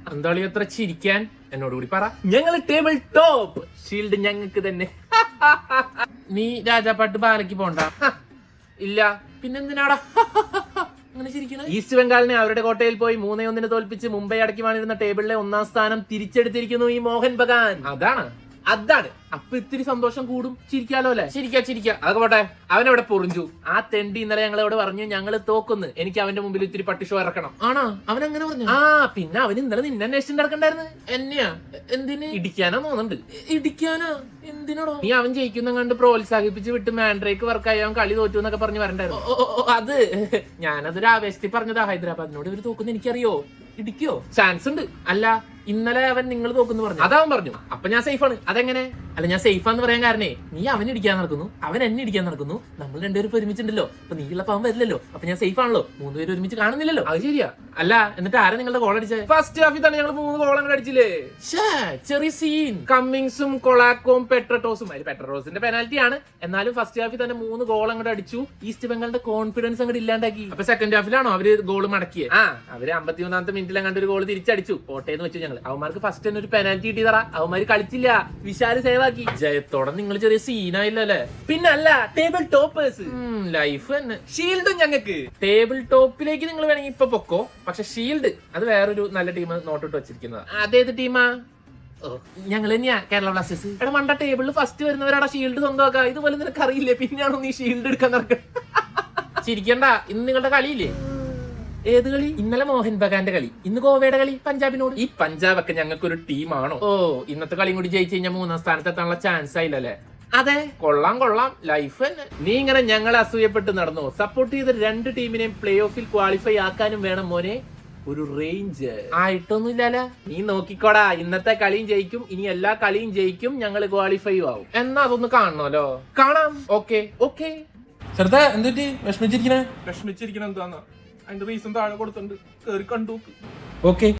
എന്താളി അത്ര ചിരിക്കാൻ? എന്നോട് കൂടി പറ. ഞങ്ങള് ടേബിൾ ടോപ്പ്, ഷീൽഡ് ഞങ്ങൾക്ക് തന്നെ. നീ രാജാപ്പാട്ട് ബാലയ്ക്ക് പോണ്ട? ഇല്ല. പിന്നെന്തിനാടാ അങ്ങനെ ചിരിക്കണേ? ഈസ്റ്റ് ബംഗാളിനെ അവരുടെ കോട്ടയിൽ പോയി 3-1 തോൽപ്പിച്ച് മുംബൈ അടക്കി വാണിരുന്ന ടേബിളിലെ 1-ാം സ്ഥാനം തിരിച്ചെടുത്തിരിക്കുന്നു ഈ മോഹൻ ബഗാൻ. അതാണ്. അപ്പൊ ഇത്തിരി സന്തോഷം കൂടും. ചിരിക്കാലോ അല്ലെ? ചിരിക്കാ. അതൊക്കെ പോട്ടെ, അവനെവിടെ പൊറിഞ്ചു. ആ തെണ്ടി ഇന്നലെ ഞങ്ങളോട് പറഞ്ഞു ഞങ്ങള് തോക്കുന്നു, എനിക്ക് അവന്റെ മുമ്പിൽ ഇത്തിരി പട്ടിഷോ ഇറക്കണം. ആണോ? അവൻ അങ്ങനെ പറഞ്ഞു? ആ, പിന്നെ അവൻ ഇന്നലെ നിന്നെ അന്വേഷിച്ചു നടക്കണ്ടായിരുന്നു. എന്നെയാ? എന്തിന്? ഇടിക്കാനോ തോന്നുന്നുണ്ട്. ഇടിക്കാനോ? എന്തിനാണോ? നീ അവൻ ജയിക്കുന്ന കണ്ട് പ്രോത്സാഹിപ്പിച്ച് വിട്ട് മാൻഡ്രേക്ക് വർക്കായി അവൻ കളി തോറ്റു എന്നൊക്കെ പറഞ്ഞ് വരണ്ടായിരുന്നു. അത് ഞാനതൊരു ആവേശത്തിൽ പറഞ്ഞതാ. ഹൈദരാബാദിനോട് ഇവര് തോക്കുന്ന എനിക്കറിയോ. ഇടിക്കോ? ചാൻസ് ഉണ്ട്. അല്ല, ഇന്നലെ അവൻ നിങ്ങൾ തോക്കുന്നു പറഞ്ഞു. അതാവൻ പറഞ്ഞു. അപ്പൊ ഞാൻ സേഫാണ്. അതെങ്ങനെ? അല്ല, ഞാൻ സേഫാന്ന് പറയാൻ കാരണേ, നീ അവൻ ഇടിക്കാൻ നടക്കുന്നു, അവൻ എന്നെ ഇടിക്കാൻ നടക്കുന്നു, നമ്മൾ രണ്ടുപേരും ഒരുമിച്ചുണ്ടല്ലോ. അപ്പൊ നീ ഉള്ളപ്പോ അവൻ വരില്ലല്ലോ. അപ്പൊ ഞാൻ സേഫ് ആണല്ലോ. 3 പേര് ഒരുമിച്ച് കാണുന്നില്ലല്ലോ. അത് ശരിയാ. അല്ല, എന്നിട്ട് ആരാ നിങ്ങളുടെ ഗോൾ അടിച്ചത്? ഫസ്റ്റ് ഹാഫിൽ തന്നെ ഞങ്ങൾ 3 ഗോൾ അങ്ങോട്ട് അടിച്ചില്ലേ? ചെറിയ സീൻ. കമ്മിങ്സും കൊളാക്കോം പെട്രട്ടോസും. പെട്രട്ടോസിന്റെ പെനാൽറ്റി ആണ്. എന്നാലും ഫസ്റ്റ് ഹാഫിൽ തന്നെ 3 ഗോൾ അങ്ങോട്ട് അടിച്ചു. ഈസ്റ്റ് ബംഗാളിന്റെ കോൺഫിഡൻസ് അങ്ങോട്ട് ഇല്ലാണ്ടാക്കി. അപ്പൊ സെക്കൻഡ് ഹാഫിലാണോ അവര് ഗോൾ മടക്കിയത്? അവര് 51-ാമത്തെ മിനിറ്റിൽ അങ്ങോട്ട് ഒരു ഗോൾ തിരിച്ചടിച്ചു. പോട്ടേന്ന് വെച്ചു ഞങ്ങൾ. അവന്മാർക്ക് ഫസ്റ്റ് തന്നെ ഒരു പെനാൽറ്റി കിട്ടിയതാ. അവന്മാര് കളിച്ചില്ല. വിശാല് സേവാക്കി. ജയത്തോടെ നിങ്ങൾ ചെറിയ സീനായില്ലല്ലേ? പിന്നല്ല, ടേബിൾ ടോപ്പേഴ്സ് ലൈഫ് തന്നെ. ഷീൽഡും ഞങ്ങൾക്ക്. ടേബിൾ ടോപ്പിലേക്ക് നിങ്ങൾ വേണമെങ്കിൽ ഇപ്പൊ പൊക്കോ. പക്ഷെ ഷീൽഡ് അത് വേറൊരു നല്ല ടീം നോട്ടിട്ട് വെച്ചിരിക്കുന്നത്. അതേത് ടീമാ? ഞങ്ങൾ തന്നെയാ, കേരള ബ്ലാസ്റ്റേഴ്സ്. എടാ മണ്ട, ടേബിളിൽ ഫസ്റ്റ് വരുന്നവരാടാ ഷീൽഡ് സ്വന്തമാക്കുക. ഇതുപോലെ നിനക്ക് അറിയില്ലേ? പിന്നെയാണോ നീ ഷീൽഡ് എടുക്കാൻ നടക്കുക? ചിരിക്കണ്ട. ഇന്ന് നിങ്ങളുടെ കളിയില്ലേ? ഏത് കളി? ഇന്നലെ മോഹൻ ബഗാന്റെ കളി, ഇന്ന് ഗോവയുടെ കളി പഞ്ചാബിനോട്. ഈ പഞ്ചാബൊക്കെ ഞങ്ങൾക്കൊരു ടീമാണോ? ഇന്നത്തെ കളിയും കൂടി ജയിച്ചു കഴിഞ്ഞാൽ 3-ാം സ്ഥാനത്തെത്താനുള്ള ചാൻസ് ആയില്ലല്ലേ? അതെ, കൊള്ളാം. ലൈഫ് തന്നെ. നീ ഇങ്ങനെ ഞങ്ങളെ അസൂയപ്പെട്ട് നടന്നോ? സപ്പോർട്ട് ചെയ്ത 2 ടീമിനെയും പ്ലേ ഓഫിൽ ക്വാളിഫൈ ആക്കാനും വേണം മോനെ ഒരു റേഞ്ച്. ആയിട്ടൊന്നുമില്ലല്ലോ. നീ നോക്കിക്കോടാ, ഇന്നത്തെ കളിയും ജയിക്കും, ഇനി എല്ലാ കളിയും ജയിക്കും, ഞങ്ങൾ ക്വാളിഫൈ ആവും. എന്നാ അതൊന്ന് കാണണമല്ലോ. കാണാം. ഓക്കെ. ചെറുതാ എന്തിട്ട് വിഷമിച്ചിരിക്കണേ? വിഷമിച്ചിരിക്കണ എന്താന്ന് അതിന്റെ റീസൺ താഴെ കൊടുത്തിട്ടുണ്ട്, കേറി കണ്ടു. ഓക്കെ.